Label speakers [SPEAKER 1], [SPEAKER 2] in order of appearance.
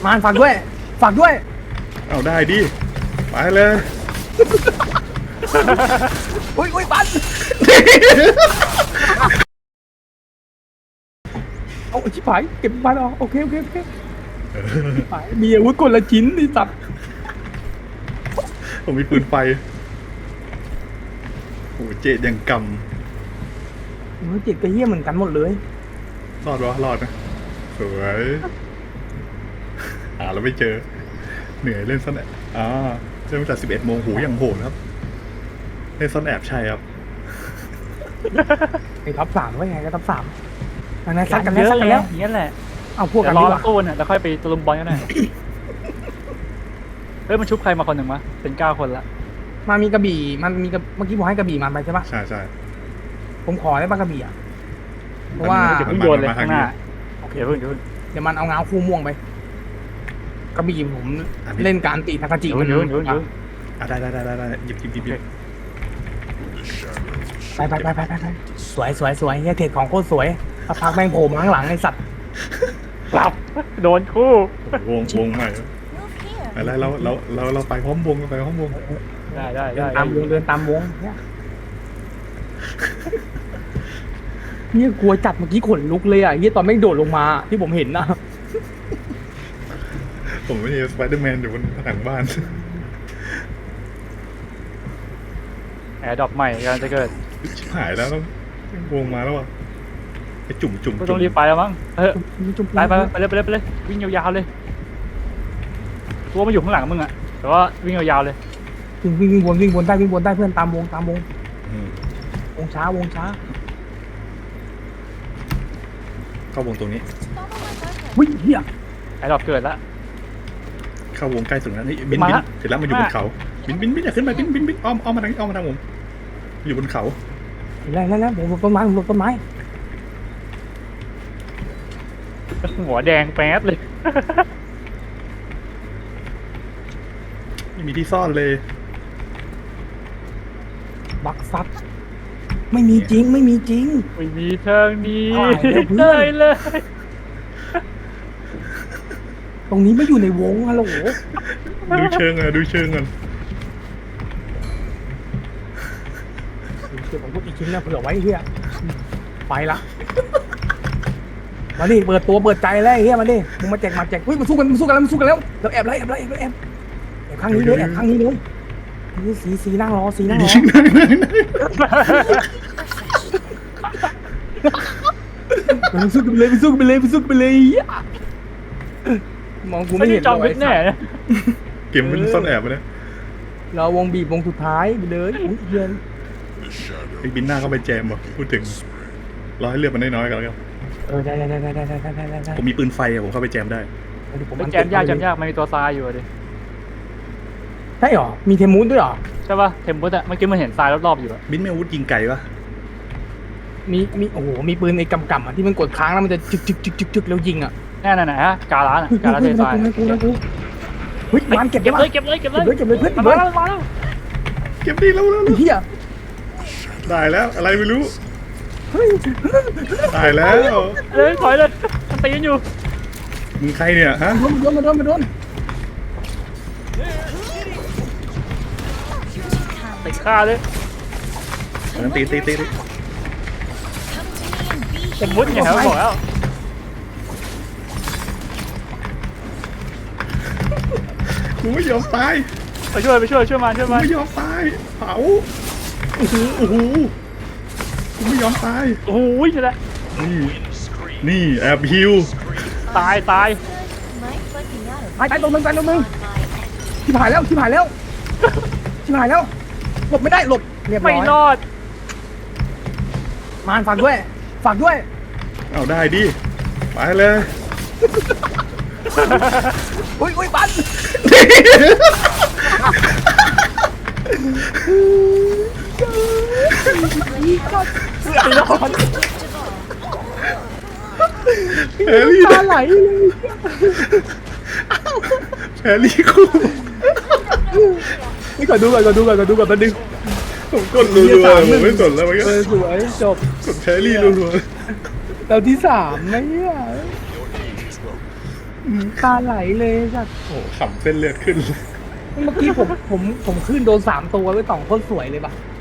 [SPEAKER 1] มานฝากด้วยฝากด้วย
[SPEAKER 2] เอาได้ดิไปเลย
[SPEAKER 1] อุ้ยปันเอาชิบหายเก็บมันออกโอเคชิบหายมีอาวุธคนละชิ้นนี่สัตว์
[SPEAKER 2] ผมมีปืนไฟโอ้เจ็ดยังก
[SPEAKER 1] เจ็ดกระเฮี้ยเหมือนกันหมดเลย
[SPEAKER 2] ำรอดวะรอดนะสวยแล้วไม่เจอเหนื่อยเล่นซ่อนแอบเริ่มจาก11 โมงหูยังโหดครับเล่นซ่อนแอบใช่ครับ
[SPEAKER 1] ไอ้ท็อป3ว่าไงก็ท็อป3อันนั้นซัดกันแล้ว
[SPEAKER 3] อย่างนี้แหละ
[SPEAKER 1] เอาพวกกัน
[SPEAKER 3] รอ
[SPEAKER 1] ดีกว่า
[SPEAKER 3] ตู้เนี่ยแล้วค่อยไปตะลุมบอลกันหน่อยเฮ้ยมันชุบใครมาคนหนึ่งวะเป็น9 คนละ
[SPEAKER 1] มามีกระบี่มันมีเมื่อกี้ผมให้กระบี่มันไปใช่ปะ
[SPEAKER 2] ใช่
[SPEAKER 1] ผมขอได้ปะกระบี่อ่ะเพราะว่า
[SPEAKER 3] เดี๋ยวเพิ่งโยนเลยข้างหน้าโอเคเพิ่ง
[SPEAKER 1] เดี๋ยวมันเอาเงาคู่ม่วงไปกระบี่ผมเล่นการตีทากาจิมัน
[SPEAKER 3] ได้
[SPEAKER 2] หยิบ
[SPEAKER 1] ไปสวยเฮียเทรดของโคตรสวยพักแม่งโผล่มาข้างหลังไอ้สัตว์
[SPEAKER 3] กลับโดนคู่
[SPEAKER 2] วงใหม่อะไรเราไปพร้อมวงไปพร้อมวง
[SPEAKER 3] ได้
[SPEAKER 1] ตามวงเดินตามวงเนี่ยกลัวจัดเมื่อกี้ขนลุกเลยอ่ะเฮียตอนแม่งโดดลงมาที่ผมเห็นนะ
[SPEAKER 2] ผมไม่ใช่สไปเดอร์แมนอยู่บนผนังบ้าน
[SPEAKER 3] แอร์ดรอปใหม่กำลังจะเกิด
[SPEAKER 2] ชิบหายแล้ววงมาแล้วอ่ะไอจุ่ม
[SPEAKER 3] ก็ต้องรีบไปแล้วมั้งไปเลยวิ่งยาวๆเลยตัวมาอยู่ข้างหลังมึงอ่ะแต่ว่าวิ่งยาวๆเลย
[SPEAKER 1] วิ่งวนได้เพื่อนตามวงวงช้า
[SPEAKER 2] เข้าวงตรงนี้
[SPEAKER 1] วิ่งเฮีย
[SPEAKER 3] แอร์ดรอปเกิดแล้ว
[SPEAKER 2] เข้าวงใกล้สุดแล้วนี่บินเสร็จแล้วมาอยู่บนเขาบินอย่าขึ้นไปบินอ้อมมาทางผมอยู่บนเขา
[SPEAKER 1] แล้วผมหลบต้นไม้
[SPEAKER 3] หัวแดงแป๊ดเลย
[SPEAKER 2] ไม่มีที่ซ่อนเลย
[SPEAKER 1] บักซัดไม่มีจริง
[SPEAKER 3] ไม่มีทางนี้เลย
[SPEAKER 1] ตรงนี้ไม่อยู่ในวงฮัลโหล
[SPEAKER 2] ดูเชิงก่อน
[SPEAKER 1] เดี๋ยวผมพูดอีกชิ้นนะเผื่อไว้เฮียไปละมาดิเปิดตัวเปิดใจแล้วเฮียมาดิมึงมาแจกเฮ้ยมาสู้กันแล้วเราแอบข้างนี้เลยนี่สีนั่งรอสู้กันเลยมองกูไม่เห็น
[SPEAKER 3] จอมเพชรแน่
[SPEAKER 2] เกมมันซ่อนแอบไปเลย
[SPEAKER 1] เราวงบีบวงสุดท้ายไปเลยเย็น
[SPEAKER 2] ไอ้บินหน้าเข้าไปแจมว่ะพูดถึงรอให้เลือดมันน้อยๆกันแล้ว
[SPEAKER 1] ได้
[SPEAKER 2] ผมมีปืนไฟผมเข้าไปแจมได้
[SPEAKER 3] แจมยากมันมีตัวทรายอยู่ดิ
[SPEAKER 1] ใช่หรอมีเทมูสด้วยหรอ
[SPEAKER 3] ใช่ป่ะเทมูสอะเมื่อกี้มันเห็นทรายรอบๆอยู่อะ
[SPEAKER 2] บินไม่อาวุธยิงไก่ปะ
[SPEAKER 1] มีโอ้โหมีปืนไอ้กำอ่ะที่มันกดค้างแล้วมันจะจึกแล้วยิงอ่ะ
[SPEAKER 3] แน่ฮะกาล้าเททราย
[SPEAKER 1] เฮ้ยมันเก็บ
[SPEAKER 3] เลยเพื่อนมาแล้ว
[SPEAKER 2] เก็บดีแล้ว
[SPEAKER 1] เฮีย
[SPEAKER 2] ได้แล้วอะไรไม่รู้ได้แล้ว
[SPEAKER 3] ถอยเลยมันตีกันอยู่
[SPEAKER 2] มึงใครเนี่ยฮะ
[SPEAKER 1] มาโดน
[SPEAKER 3] ติดฆ่าเลย
[SPEAKER 2] ตี
[SPEAKER 3] เป็นมุดอย่างเขาบอกแล้ว
[SPEAKER 2] กูไม่ยอมตาย
[SPEAKER 3] ไปช่วยมา
[SPEAKER 2] ไม่ยอมตายเผาโอ้โหกูไม่ยอมตาย
[SPEAKER 3] โอ้ยใช่แล้ว
[SPEAKER 2] นี่แอบฮิว
[SPEAKER 3] ตาย
[SPEAKER 1] ตรงมึงชิบหายแล้วหลบไม่ได้หลบเรียบร้อย
[SPEAKER 3] ไม่รอด
[SPEAKER 1] มานฝากด้วย
[SPEAKER 2] เอาได้ดิไปเลย
[SPEAKER 1] อุ้ยปัน
[SPEAKER 2] แพรรี่
[SPEAKER 1] ตาไหลเลย
[SPEAKER 2] แพรรี่คู่
[SPEAKER 1] นี่ก่อนดูก่อนแป๊บนึง
[SPEAKER 2] ผมกดรัวๆผมไม่สนแล้วมันก็
[SPEAKER 1] สวยจบ
[SPEAKER 2] กดแพรรี่รัว
[SPEAKER 1] ๆเราที่3นะเนี่ยตาไหลเลยสัตว์
[SPEAKER 2] โอ้ขำเส้นเลือดขึ้น
[SPEAKER 1] เมื่อกี้ผมขึ้นโดน3 ตัวไว้ต่องโคตรสวยเลยปะ